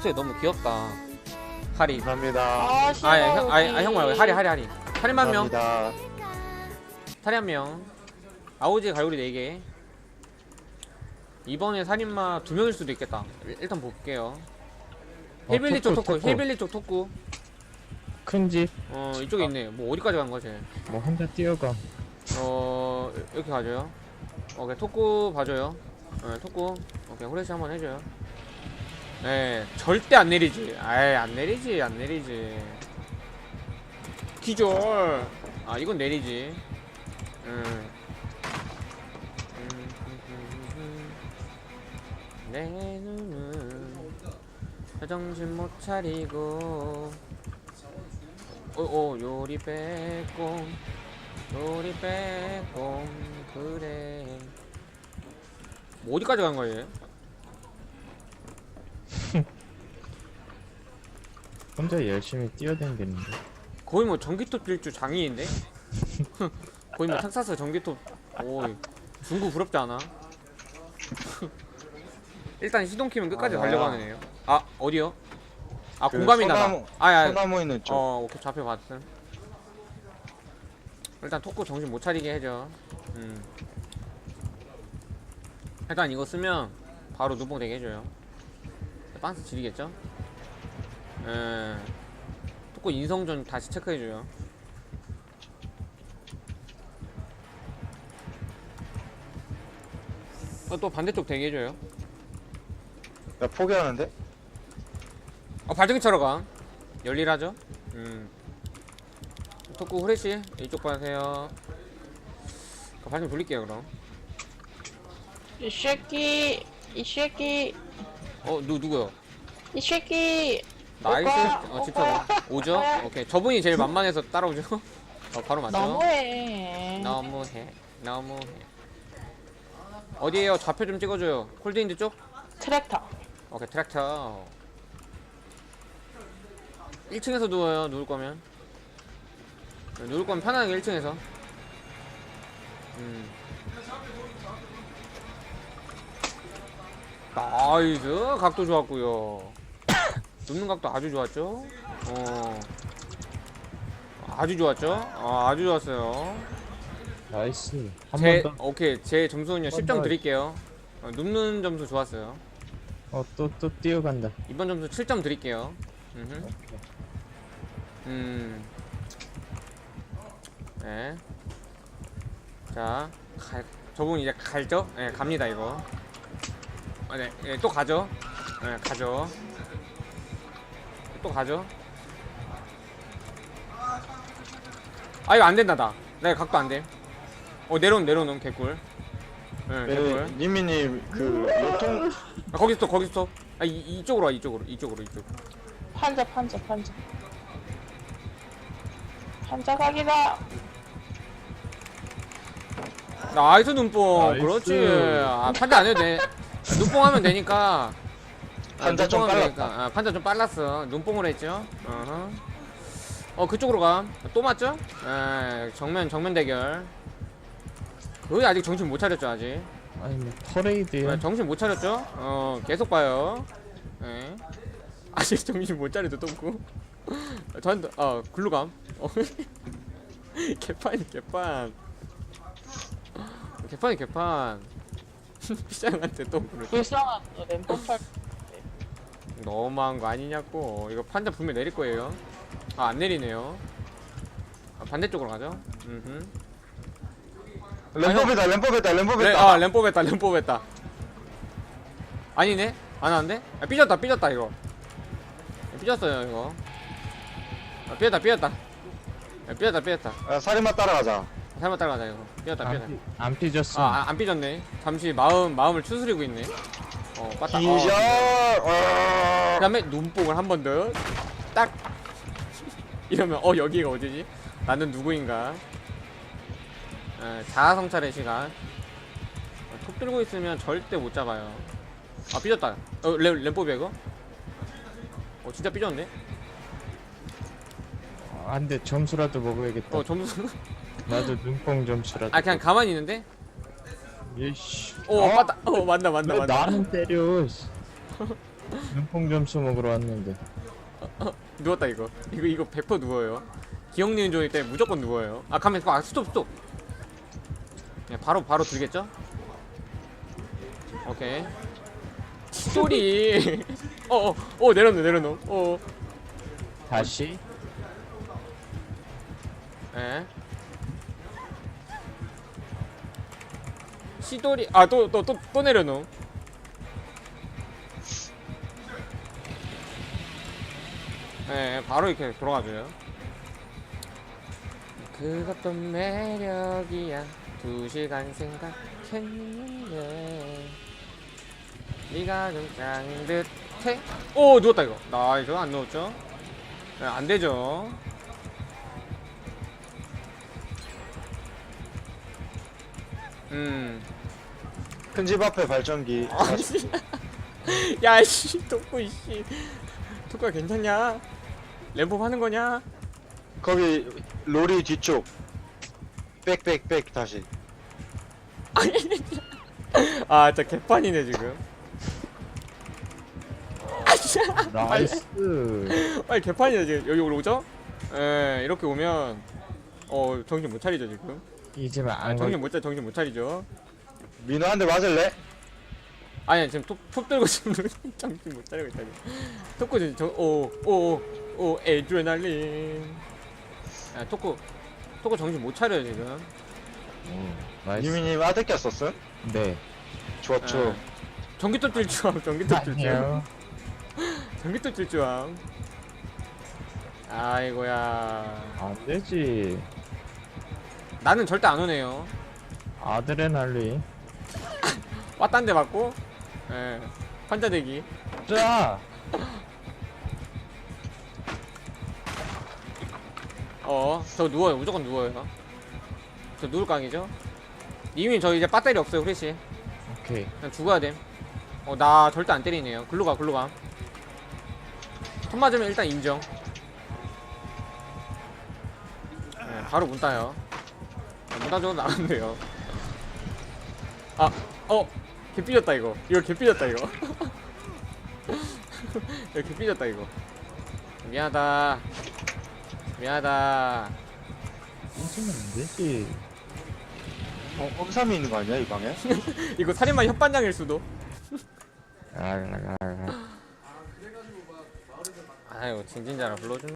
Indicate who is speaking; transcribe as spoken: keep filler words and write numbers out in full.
Speaker 1: 목소리 너무 귀엽다. 하리.
Speaker 2: 감사합니다.
Speaker 3: 아, 싫어.
Speaker 1: 아니 형, 아니 아니, 형 말고 하리 하리 하리. 하리 한 명.
Speaker 2: 감사합니다.
Speaker 1: 살인 한 명. 아오지 갈고리 네 개. 이번에 살인마 두 명일 수도 있겠다. 일- 일단 볼게요.
Speaker 2: 어,
Speaker 1: 힐빌리 쪽
Speaker 2: 토크,
Speaker 1: 토크,
Speaker 2: 토크.
Speaker 1: 힐빌리 쪽 토크.
Speaker 2: 큰 집,
Speaker 1: 어 이쪽에 있네. 뭐 어디까지 간 거지?
Speaker 2: 뭐 혼자 뛰어가.
Speaker 1: 어 이렇게 가줘요. 오케이 토크 봐줘요. 네, 토크. 오케이 후레쉬 한번 해줘요. 네 절대 안 내리지. 아이 안 내리지 안 내리지. 기절. 아 이건 내리지. 음. 내 눈은 정신 못 차리고 오오 요리 빼꼼 요리 빼꼼 그래. 뭐 어디까지 간 거예요?
Speaker 2: 혼자 열심히 뛰어다니는데.
Speaker 1: 거의 뭐 전기톱 질주 장인인데? 거의 뭐 텍사스 전기톱. 오 중국 부럽지 않아? 일단 시동 키면 끝까지
Speaker 2: 아,
Speaker 1: 달려가는 애요. 아 어디요? 아
Speaker 2: 그
Speaker 1: 공감이 나다.
Speaker 2: 소나무-
Speaker 1: 아야.
Speaker 2: 소나무 있는 쪽.
Speaker 1: 어 오케이 좌표 봤음. 일단 토크 정신 못 차리게 해줘. 음. 일단 이거 쓰면 바로 눈뽕 되게 해줘요. 빤스 지리겠죠? 예. 토크 인성 좀 다시 체크해줘요. 어, 또 반대쪽 대기 해줘요.
Speaker 2: 나 포기하는데?
Speaker 1: 어 발전기 차러 가. 열일하죠? 음. 토크 후레쉬 이쪽 봐세요. 발전 돌릴게요 그럼.
Speaker 3: 이 새끼, 이 새끼,
Speaker 1: 어 누 누구요?
Speaker 3: 이 새끼.
Speaker 1: 나이스.
Speaker 3: 오빠,
Speaker 1: 어 집착 오죠?
Speaker 3: 오빠.
Speaker 1: 오케이 저분이 제일 만만해서 따라오죠? 어 바로 맞죠?
Speaker 3: 너무해.
Speaker 1: 너무해 너무해. 어디에요? 좌표 좀 찍어줘요. 콜드인드 쪽?
Speaker 3: 트랙터.
Speaker 1: 오케이 트랙터. 일 층에서 누워요 누울 거면. 네, 누울 거면 편하게 일 층에서. 음. 나이스 각도 좋았고요. 눕는 각도 아주 좋았죠? 어. 아주 좋았죠? 아, 아주 좋았어요.
Speaker 2: 나이스. 한
Speaker 1: 제
Speaker 2: 번 더.
Speaker 1: 오케이 제 점수는요 십 점
Speaker 2: 더.
Speaker 1: 드릴게요. 어, 눕는 점수 좋았어요.
Speaker 2: 어, 또, 또 뛰어간다.
Speaker 1: 이번 점수 칠 점 드릴게요. 음흠. 음. 네. 자, 갈, 저분 이제 갈죠? 네, 갑니다 이거. 아, 네, 네, 또 가죠. 네, 가죠. 또 가죠. 아 이거 안 된다 나. 네, 각도 안 돼. 어 내려온 내려놓은 개꿀. 네, 개꿀.
Speaker 2: 네, 니미님, 그, 요통,
Speaker 1: 아, 거기서 또 거기서 또. 아 이, 이쪽으로 와 이쪽으로 이쪽으로 이쪽.
Speaker 3: 판자, 판자, 판자. 판자 각이다.
Speaker 1: 나이스 눈뽕.
Speaker 2: 나이스.
Speaker 1: 그렇지. 아 판자 안 해도 돼. 눈뽕 하면 되니까. 아,
Speaker 2: 판자 좀
Speaker 1: 눈뽕 하면
Speaker 2: 빨랐다.
Speaker 1: 되니까. 아, 판자 좀 빨랐어. 눈뽕을 했죠. 어허. 어 그쪽으로 가. 또 맞죠? 에 정면 정면 대결. 거의 아직 정신 못 차렸죠 아직.
Speaker 2: 아니, 뭐, 퍼레이드야.
Speaker 1: 네, 정신 못 차렸죠? 어 계속 봐요. 네. 아직 정신 못 차려도 똥꾸. 저한테 어 글루감. 어. 개판이 개판. 개판이 개판. 피장한테 똥꾸를.
Speaker 3: 불쌍한 램프 팔.
Speaker 1: 너무한 거 아니냐고. 이거 판자 분명 내릴 거예요. 아 안 내리네요. 아, 반대쪽으로 가죠. 음흠.
Speaker 2: 램법이다, 램법이다,
Speaker 1: 래,
Speaker 2: 램법이다.
Speaker 1: 아 램포 뺐다 램포 뺐다. 아니네 안 하는데? 아, 삐졌다 삐졌다 이거. 삐졌어요 이거. 아, 삐졌다 삐졌다. 아, 삐졌다 삐졌다.
Speaker 2: 아, 살인마 따라가자.
Speaker 1: 잘못 따라가자 이거. 삐졌다 삐졌다.
Speaker 2: 안, 삐- 안 삐졌어.
Speaker 1: 아 안 삐졌네. 잠시 마음 마음을 추스리고 있네. 어 빠따.
Speaker 2: 기절!
Speaker 1: 어.
Speaker 2: 어.
Speaker 1: 그다음에 눈뽕을 한 번 더. 딱. 이러면 어 여기가 어디지? 나는 누구인가? 에, 자아 성찰의 시간. 어, 톱 들고 있으면 절대 못 잡아요. 아 삐졌다. 어 램, 램포비야 이거? 어 진짜 삐졌네.
Speaker 2: 안 돼, 점수라도 먹어야겠다.
Speaker 1: 어 점수.
Speaker 2: 나도 눈뽕 점수라도.
Speaker 1: 아 그냥 가만히 있는데?
Speaker 2: 예씨.
Speaker 1: 오 맞다. 어 맞다 맞다
Speaker 2: 왜
Speaker 1: 맞다.
Speaker 2: 나는 때려. 씨. 눈뽕 점수 먹으러 왔는데.
Speaker 1: 누웠다 이거. 이거 이거 백 퍼센트 누워요. 기억니은 존이 때문에 무조건 누워요. 아 가면 아 스톱 스톱. 네, 바로 바로 들겠죠? 오케이. 소리. 어어 어, 내려놓 내려놓. 어.
Speaker 2: 다시.
Speaker 1: 예. 시돌이 아 또 또 또 또 내려놓. 예, 바로 이렇게 돌아가줘요. 그것도 매력이야. 두 시간 생각했는데 네가 좀 짱듯해. 오 누웠다 이거. 나이스. 안 누웠죠? 네, 안 되죠. 음.
Speaker 4: 큰 집 앞에 발전기.
Speaker 1: 아씨. 야씨 덕구 이씨. 덕구야 괜찮냐? 램프 하는 거냐?
Speaker 4: 거기 로리 뒤쪽. 빽빽빽 다시.
Speaker 1: 아 진짜 개판이네 지금. 아씨.
Speaker 2: 나이스.
Speaker 1: 빨리 개판이네 지금. 여기 오죠? 예, 이렇게 오면 어 정신 못 차리죠 지금.
Speaker 2: 이제만
Speaker 1: 아,
Speaker 2: 안
Speaker 1: 정신
Speaker 2: 걸.
Speaker 1: 못 차, 정신 못 차리죠.
Speaker 4: 민호 한 대 맞을래?
Speaker 1: 아니 지금 톱, 톱 들고 지금 정신 못 차리고 있다니. 토크 지금 저오오오 에드레날린. 아 토크 토크 정신 못 차려요 지금.
Speaker 2: 오, 나이스.
Speaker 4: 유미님 아들 꼈었음?
Speaker 2: 네.
Speaker 4: 좋죠.
Speaker 1: 아, 전기톱 질주함, 전기톱 질주함,
Speaker 2: 아니요.
Speaker 1: 전기톱 질주함. 아이고야.
Speaker 2: 안 되지.
Speaker 1: 나는 절대 안 오네요.
Speaker 2: 아드레날린.
Speaker 1: 왔단 데 맞고. 예. 환자대기.
Speaker 2: 자.
Speaker 1: 어, 저 누워요. 무조건 누워요. 저 누울 강이죠? 님이 저 이제 배터리 없어요, 후레쉬.
Speaker 2: 오케이.
Speaker 1: 그냥 죽어야 됨. 어, 나 절대 안 때리네요. 글로 가, 글로 가. 턴 맞으면 일단 인정. 네, 바로 문 따요. 아, 문 따줘도 나간대요. 아, 어, 개 삐졌다 이거. 이거 개 삐졌다 이거. 이거 개 삐졌다 이거. 미안하다. 미안하다.
Speaker 2: 이제만 안 되지.
Speaker 4: 어, 험삼이 있는 거 아니야 이 방에?
Speaker 1: 이거 살인마 협반장일 수도.
Speaker 2: 랄랄랄랄.
Speaker 1: 아이고 진진자라 불러준.